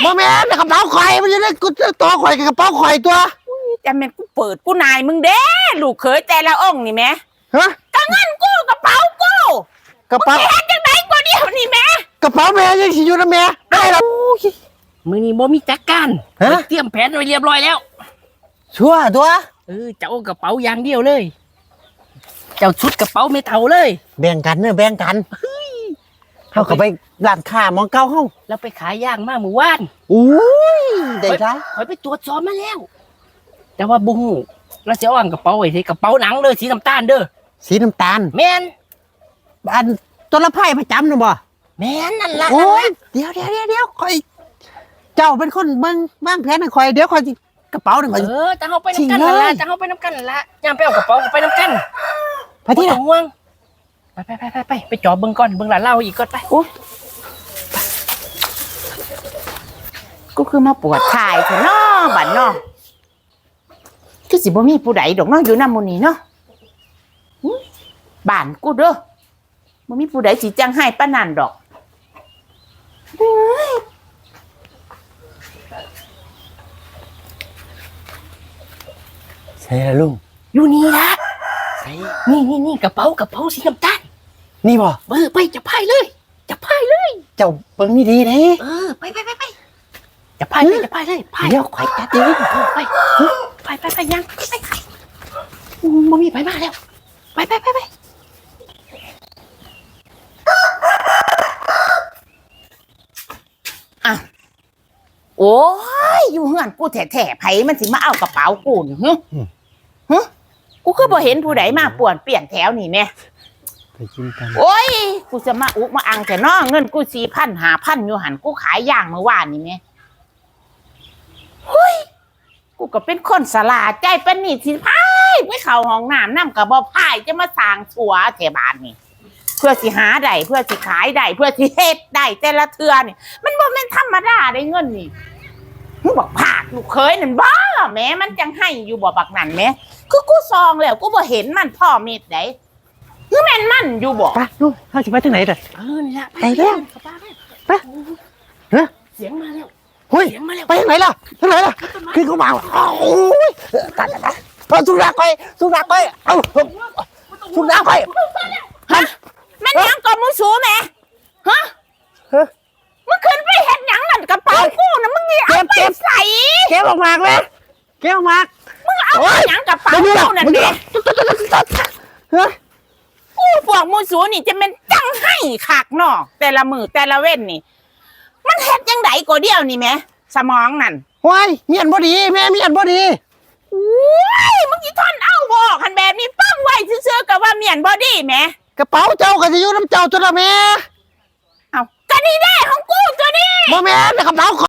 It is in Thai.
บ่แม่นกระเป๋าข่อยมันจะได้กูตัวข่อยกับกระเป๋าข่อยตัวจะแม่นกูเปิดกูนายมึงเด้ลูกเขยแต่ละองค์นี่แม่ฮะก็เงินกูกระเป๋ากูกระเป๋าแค่จังไหนกูเดียวนี่แม่กระเป๋าแม่ยังสิอยู่นะแม่ได้หรอมือนี้บ่มีจักการเตรียมแผนไว้เรียบร้อยแล้วชัวร์ตัวเจ้าเอากระเป๋าอย่างเดียวเลยเจ้าชุดกระเป๋าไม่เท่าเลยแบ่งกันเนอะแบ่งกันเขาก็ไปร้านค้ามองเก้าห้องแล้วไปขายย่างมาเมื่อวานอุ้ยได้ไรคอยไปตรวจสอบมาแล้วแต่ว่าบุ้งเราจะเอากระเป๋าไว้ที่กระเป๋าหนังเลยสีน้ำตาลเด้อสีน้ำตาลแม่นอันตัวละไพ่ประจำนะบ่แม่นนั่นละโอ้ยเดี๋ยวคอยเจ้าเป็นคนเบิ่งวางแผนให้คอยเดี๋ยวคอยกระเป๋าหนึ่งคอยจะเอาไปน้ำกันนั่นละจะเอาไปน้ำกันนั่นละย่างไปเอากระเป๋าไปน้ำกันไปที่ไหนห่วงไปจอบเบิ่งก่อนเบิ่งหลานเล่าอีกก่อนไปโอ้กูคือมาปวดถ่ายเถอะน้อบัดน้อคือสิบ่มีผู้ใดดอกน้ออยู่นำหมู่นี้เนาะบ้านกูเด้อบ่มีผู้ใดสิจังให้ปานนั้นดอกใช่ละลุงอยู่นี่ละนี่กระเป๋าสีน้ำตาลนี่บ่ไปจะพายเลยเจ้าเบิ่งนี่ดีเด้ไปจะพายเลยเดี๋ยวคอยจัดเองไปยังไปบ่มีไปมาแล้วไปอ่ะโอ้ยอยู่เฮือนกูแท้ๆไผมันสิมาเอากระเป๋ากูนี่ฮึกูคือบ่เห็นผู้ใดมาป่วนเปลี่ยนแถวนี่แม่ไปกินกันโอ้ยกูจะมาอุกมาอังแต่น้อเงินกู4,000 5,000อยู่หันกูขายย่างเมื่อวานนี่แม่เฮ้ยกูก็เป็นคนสลาดใจปานนี่สิพายไปเข้าห้องน้ำนำก็บ่พายจะมาสร้างสัวแถวบ้านนี่เพื่อสิหาได้เพื่อสิขายได้เพื่อสิเฮ็ดได้แต่ละเทื่อนี่มันบ่แม่นธรรมดาได้เงินนี่มึงบอกภาคลูกเคยนั่นบ่แม่มันจังให้อยู่บ่บักนั่นแม่คือกูซองแล้วกูบ่เห็นมันพ่อเม็ดได้คือแม่นมันอยู่บ่ไปลูกเฮาสิไปทางไหนเด้อนี่ละไปแล้วไปเสียงมาแล้วเฮ้ยไปทางไหนล่ะขึ้นเข้ามาโอ้ยตายสุนัขไปเอาสุนัขไปฮะมันยังก็มึงสูแม่ฮะมึงขึ้นไปเฮ็ดหยังนั่นกระเป๋ากูน่ะมึงนี่เอาไปใส่เก็บออกมาเลยเก็บออกมามึงเอาไปหยังกระเป๋ากูนั่นดิกูพวกมึงสูนี่จะเป็นจังให้คักเนาะแต่ละมื้อแต่ละเว้นนี่มันเฮ็ดจังไดก็เดียวนี่แม่สมองนั่นว้ายเมียนบ่ดีแม่เมียนบ่ดีโอ้ยมึงสิทนเอาบ่คันแบบนี้ฟังไว้ซื่อๆก็ว่าเมียนบ่ดีแม่กระเป๋าเจ้าก็สิอยู่น้ำเจ้าตัวละแม่เอาก็นี่ได้ของกูตัวนี้บ่แม่นกระเป๋า